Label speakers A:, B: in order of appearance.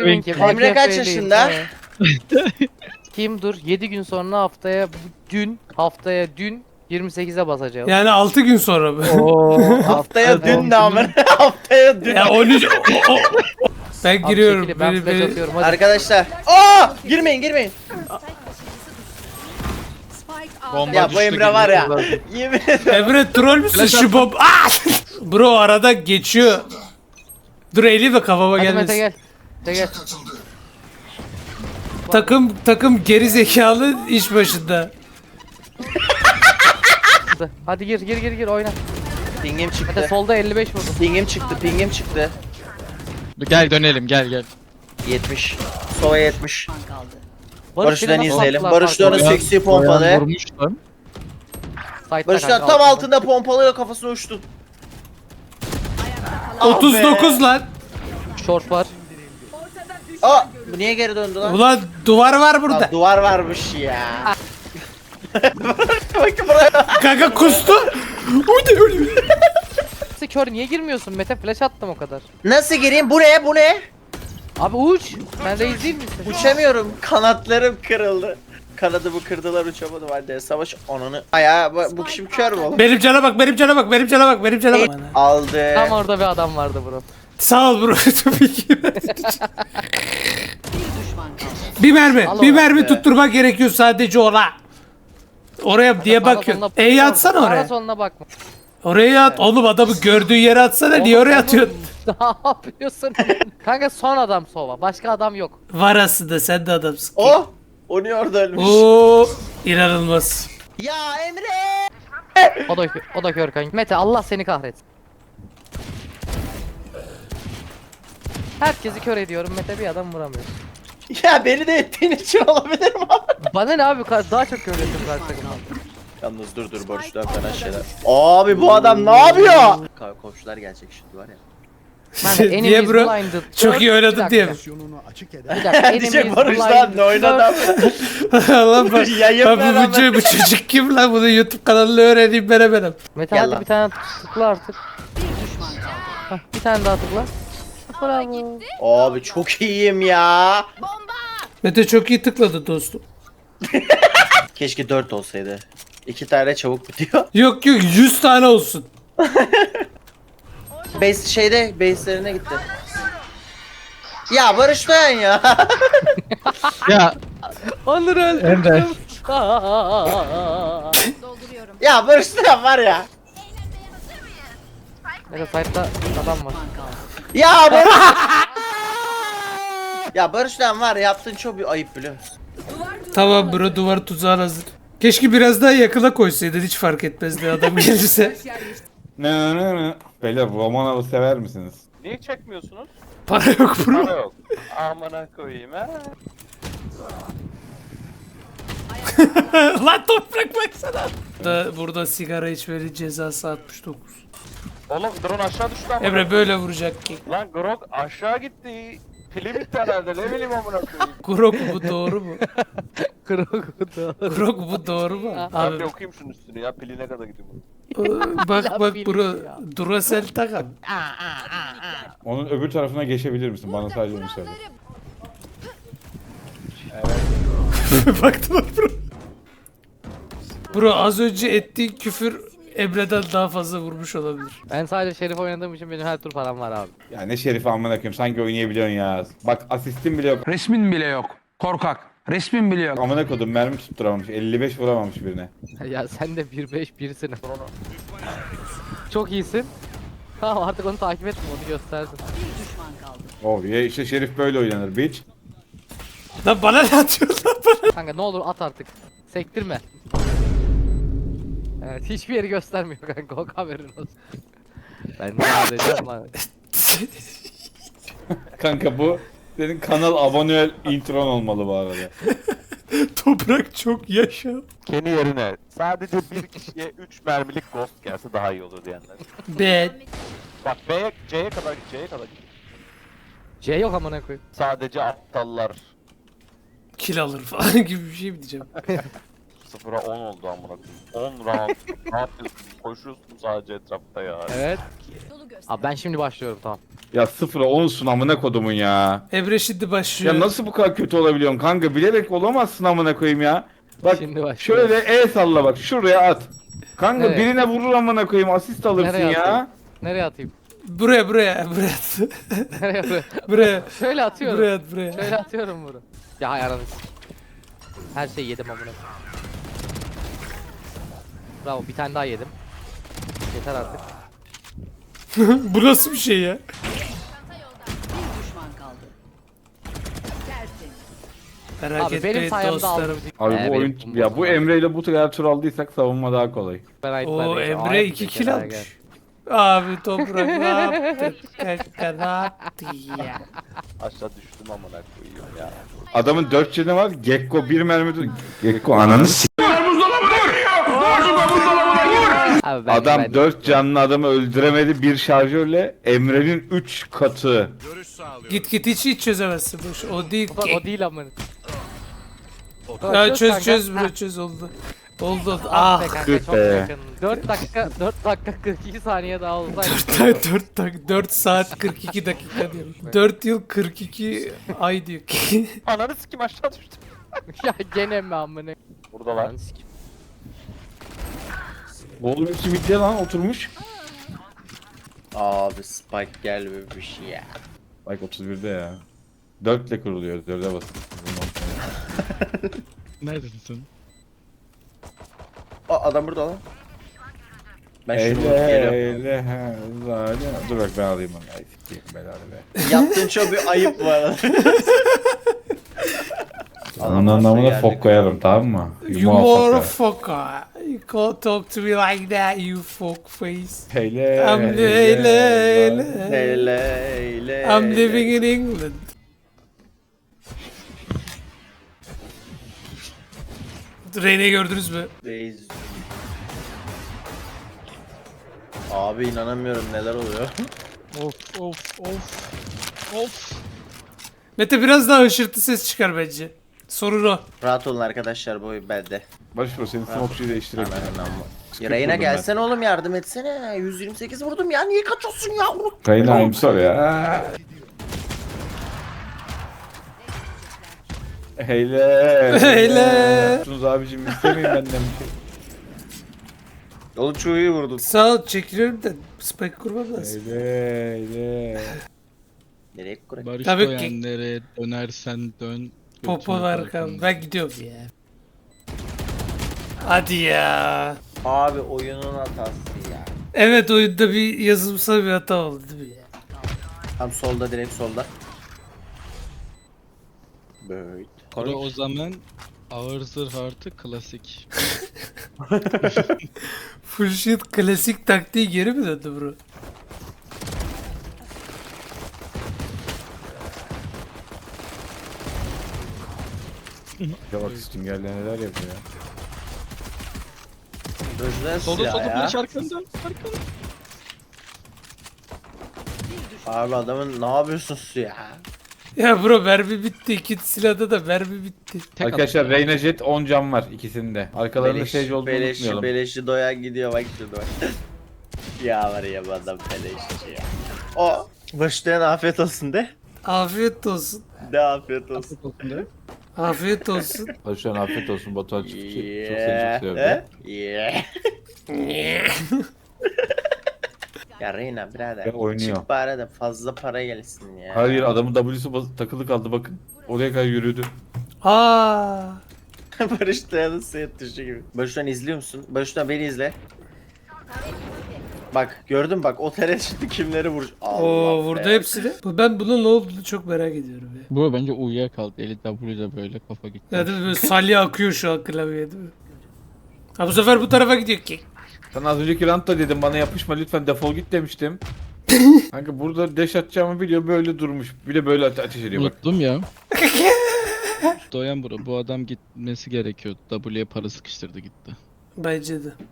A: Kimin kim?
B: Emre kaç
A: AKP'liyim.
B: yaşında?
A: Kim dur? 7 gün sonra haftaya dün 28'e basacağım.
C: Yani 6 gün sonra mı?
B: Haftaya dün de amına. Haftaya dün.
C: Ya 13 ben
A: Abi
C: giriyorum.
A: çekili, ben flash atıyorum hadi.
B: Arkadaşlar. Aa! Girmeyin.
D: Bomba
B: Ya bu
D: düştü
B: Emre
D: gibi.
B: var ya. Yemin ederim.
C: Emre troll müsün şu bomb? Aa! Bro arada geçiyor. Dur eli ve kafama
A: Hadi Mete
C: gelmesin.
A: gel. Mete gel.
C: Takım geri zekalı iş başında.
A: Hadi gir oyna.
B: Pingim
A: Mete
B: çıktı.
A: solda 55 vurdum.
B: Pingim çıktı.
D: Gel dönelim gel.
B: 70. Sova 70.
A: Barış
B: Barış'tan
A: nasıl
B: izleyelim.
A: attılar
B: Barış da onu
A: farkı?
B: seksi pompalı.
D: Vurmuş lan.
A: Site'da
B: Barış'tan
A: kanka,
B: tam altında pompalıyla kafasına uçtu. Ah be.
C: 39 lan.
A: Short var.
B: Aa! Bu niye geri döndü lan?
C: Ulan duvar var burada.
B: Aa, duvar varmış ya. Bakın buraya.
C: Kanka kustu.
A: Nasıl kör niye girmiyorsun? Mete flash attım o kadar.
B: Nasıl gireyim? Bu ne?
A: Abi uç. Sen reis değil misin?
B: Uçamıyorum. Kanatlarım kırıldı. Kanadımı kırdılar uçamadım hadi. Savaş ananı. Ayağı bu kişi kör mü oğlum?
C: Benim cana bak.
B: Aldı.
A: Tam orada bir adam vardı bro.
C: Sağ ol bro. Tabii ki. bir mermi.
A: Al
C: Bir
A: onu
C: mermi
B: be.
C: tutturmak gerekiyor sadece ona. Oraya diye
A: Sağına
C: bakıyorsun.
A: soluna-
C: E'yi atsana
A: Sağına
C: oraya.
A: soluna bakma.
C: Oraya at. Oğlum adamı gördüğü yere atsana. Niye oraya atıyorsun?
A: Ne yapıyorsun? Kanka son adam sova. Başka adam yok.
C: Var aslında sen de adamsın.
B: Oh! O niye orada ölmüş?
C: Oo, inanılmaz.
B: Ya Emre!
A: O da kör kanka. Mete Allah seni kahretsin. Herkesi kör ediyorum. Mete bir adam vuramıyor.
B: Ya beni de ettiğin için olabilir mi?
A: Bana ne abi daha çok kör ettim karşı takımdan.
B: Yalnız dur Barış'tan falan şeyler. Abi bu adam ne yapıyor? Komşular gelecek şimdi var ya.
A: Kanka
C: Niye
A: enemies
C: bro?
A: blinded.
C: Çok iyi oynadın
A: Bir
C: diye mi?
A: dakika, Bir dakika.
B: Diyecek
A: enemies
B: Barış lan ne oynadı abi?
C: Allah bak.
B: Yayın
C: Lan
B: veren
C: bu çocuk kim lan? Bunu YouTube kanalını öğreneyim ben hemen.
A: Mete
B: Gel
A: hadi
B: lan.
A: bir tane tıkla artık. Hah, bir tane daha tıkla. Bravo.
B: Abi çok iyiyim ya.
C: Mete çok iyi tıkladı dostum.
B: Keşke 4 olsaydı. 2 tane çabuk bitiyor.
C: Yok 100 tane olsun.
B: Base'lerine gitti. Ya Barış Dayan ya.
D: Ya
A: Onur öldü.
D: Emre.
B: Ya Barış Dayan var ya.
A: Mete site'da adam var.
B: Ya Barış. Ya Barış Dayan var ya, yaptığın çok bir ayıp biliyor musun?
C: Tamam bro duvar tuzağı hazır. Keşke biraz daha yakına koysaydın hiç fark etmezdi adam gelirse.
E: Ne. Beyler Romanov'u sever misiniz?
F: Niye çekmiyorsunuz?
C: Para yok bro.
F: Para yok. Amına koyayım ha.
C: Lan toprak baksana. Burada sigara içmenin cezası 69.
F: Oğlum drone aşağı düştü ama.
C: Emre böyle vuracak ki.
F: Lan Grok aşağı gitti. Pili bitti herhalde ne bileyim amına koyayım.
C: Grok bu doğru mu?
A: Krokoda.
C: Grok bu doğru mu?
F: Ben
C: Abi
F: bir okuyayım şunun üstünü ya pili ne kadar gidiyor bu.
C: bak bro. Duracell takam.
E: Onun öbür tarafına geçebilir misin? Bana sadece onu söyle.
C: Baktım bro. Bro az önce ettiğin küfür Emre'den daha fazla vurmuş olabilir.
A: Ben sadece Şerif oynadığım için benim her tur param var abi.
E: Ya ne şerifi amına koyayım sanki oynayabiliyorsun ya. Bak asistin bile yok.
G: Resmin bile yok. Korkak. Resmin bile yok.
E: Amına kodum mermi tutturamamış. 55 vuramamış birine.
A: Ya sen de 1-5 birisin. Çok iyisin. Tamam artık onu takip etme onu gösterdim.
E: Oh ya işte şerif böyle oynanır bitch.
C: Lan bana ne atıyorsun lan bana?
A: Kanka ne olur at artık. Sektirme. Evet hiçbir yeri göstermiyor kanka o haberin olsun. Ben ne yapacağım lan?
E: Kanka bu senin kanal abone intron olmalı bu arada.
C: Toprak çok yaşa.
F: Kendi yerine sadece bir kişiye 3 mermilik ghost gelse daha iyi olur diyenler.
C: Ben.
F: Bak C'ye kadar git C'ye kadar git.
A: C yok amına koyayım.
F: Sadece aptallar.
C: Kill alır falan gibi bir şey mi diyeceğim?
F: 0'a 10 oldu amına koyayım. 10 round. Ne yapıyorsun? Koşuyorsun sadece etrafta ya.
A: Evet. Abi ben şimdi başlıyorum tamam.
E: Ya 0'a 10'sun amına kodumun ya.
C: Emre şimdi başlıyor.
E: Ya nasıl bu kadar kötü olabiliyorsun kanka? Bilerek olamazsın amına koyayım ya. Bak
A: Şimdi başlıyor.
E: şöyle salla bak şuraya at. Kanka
A: Evet.
E: birine vurur amına koyayım asist alırsın
A: Nereye
E: ya.
A: atayım? Nereye atayım?
C: Buraya.
A: Nereye buraya?
C: Buraya.
A: Şöyle atıyorum.
C: Buraya at buraya.
A: Şöyle atıyorum bunu. Ya hay ananı s- Her şeyi yedim amına. Bravo bir tane daha yedim. Yeter artık.
C: Bu nasıl bir şey ya?
H: Bir düşman kaldı. Tertemiz.
C: Merak
A: Abi benim
C: etmeyin
A: sayemde
C: dostlarım.
A: aldım.
E: Abi
A: Evet,
E: bu oyun
A: benim
E: ya bu
A: bombam.
E: Emre ile bu kadar tur aldıysak savunma daha kolay.
A: Ben ait
C: Oo
A: ben de-
C: Emre
A: Ay,
C: 2
A: bir
C: kill
A: kere
C: almış.
A: gel.
C: Abi toprak ne yaptın? Kanka ne yaptın ya?
F: Aşağı düştüm amına koyayım ya.
E: Adamın 4 canı var. Gekko 1 mermi. Gekko ananı s***.
A: Abi ben
E: Adam 4 canlı adamı öldüremedi bir şarjörle. Emre'nin 3 katı.
C: Git hiç çözemezsin boş. O değil
A: Bak,
C: ki.
A: o değil amına.
C: Ya çöz
A: kanka.
C: bro çöz oldu. Oldu. Ah.
A: Be kanka
E: Tüh
A: çok
E: be.
A: yakın. 4 dakika 42 saniye daha olsaydı.
C: 4 saat 42 dakika diyorum. 4 yıl 42 ay diyor ki.
F: Ananı sikim aşağı düştüm.
A: Ya gene mi amına?
F: Buradalar.
A: Lan sikim.
E: Oğlum hepsi midye lan oturmuş.
B: Abi Spike gel be bir şey ya.
E: Bak 31'de ya. 4 ile kuruluyor. 4'e basın.
D: Neredesin sen?
B: Aa adam burada lan. Ben şunu
E: Eyle
B: vurup geliyorum.
E: eyle he zalim. Dur bak ben alayım onu. Ay sikeyim belanı be.
B: Yaptığın çok bir ayıp bu arada.
E: Onun anlamına fok koyarım tamam mı?
C: You motherfucker. You can't talk to me like that you fuck face.
E: Eyle
C: I'm eyle.
B: Hele hele.
C: I'm living in England. Reyne'yi gördünüz mü?
B: Reis. Abi inanamıyorum neler oluyor.
D: Of.
C: Mete biraz daha hışırtı ses çıkar bence. Sorun o.
B: Rahat olun arkadaşlar bu oyun bende.
E: Barış bro senin smoke'cuyu değiştirelim.
B: Reyna gelsene oğlum yardım etsene. 128 vurdum ya niye kaçıyorsun ya?
E: Kaynağım sor ya. Heyle.
C: Heyle.
E: Tunuz abicim istemeyin benden bir şey.
B: Oğlum çok iyi vurdun.
C: Sağ ol çekiliyorum da spike kurmam lazım.
E: Heyle.
B: Nereye kurayım?
D: Barış
C: Tabii ki.
D: Doyenlere dönersen dön.
C: Popo
D: götünü
C: var
D: bırak
C: kan.
D: onu.
C: Ben gidiyorum ya. Hadi ya.
B: Abi oyunun hatası ya.
C: Evet oyunda bir yazılımsal bir hata oldu değil mi ya?
B: Tam solda direkt solda. Böyle.
D: Bro o zaman ağır zırh artı klasik.
C: Full shit klasik taktiği geri mi döndü bro?
E: Ya bak Stinger'le neler yapıyor ya.
B: Gözler
D: Solda
B: silah
D: solda
B: ya.
D: flash arkanda. Arkanda.
B: Abi adamın ne yapıyorsun su ya?
C: Ya bro mermi bitti. İki silahda da mermi bitti.
D: Tek
E: Arkadaşlar
D: at.
E: Reyna Jet 10 can var ikisinde. Arkalarında Sage olduğunu unutmayalım.
B: Beleşçi doyan gidiyor bak şurada bak. Ya var ya bu adam beleşçi ya. O başlayan afiyet olsun de.
C: Afiyet olsun.
B: De afiyet olsun.
C: Afiyet olsun.
E: Barış an afiyet olsun Batuhan Çiftçi. Çok seni
B: Yeah.
E: çok seviyorum.
B: Yeah. Ya Reyna birader.
E: Ya oynuyor.
B: Çık bari de fazla para gelsin ya.
E: Hayır adamın W'su takılı kaldı bakın. Oraya kadar yürüdü.
C: Aa.
B: Barış Dayan'ın seyret dışı gibi. Barış'tan izliyor musun? Barış'tan beni izle. Bak gördün bak o teret şimdi kimleri vurur.
C: Oo vurdu hepsini. Ben bunun ne olduğunu çok merak ediyorum ya.
D: Bu bence uyuyakaldı. Eli W'de böyle kafa gitti.
C: Ya değil mi? Böyle salya akıyor şu an klavyeye değil mi? Ha bu sefer bu tarafa gidiyor ki.
E: Sana az önceki roundda dedim bana yapışma lütfen defol git demiştim. Kanka burada dash atacağımı biliyor böyle durmuş. Bir de böyle ateş ediyor bak.
D: Unuttum ya. Doyan bro bu adam gitmesi gerekiyordu. W'ye para sıkıştırdı gitti.
C: Bence de.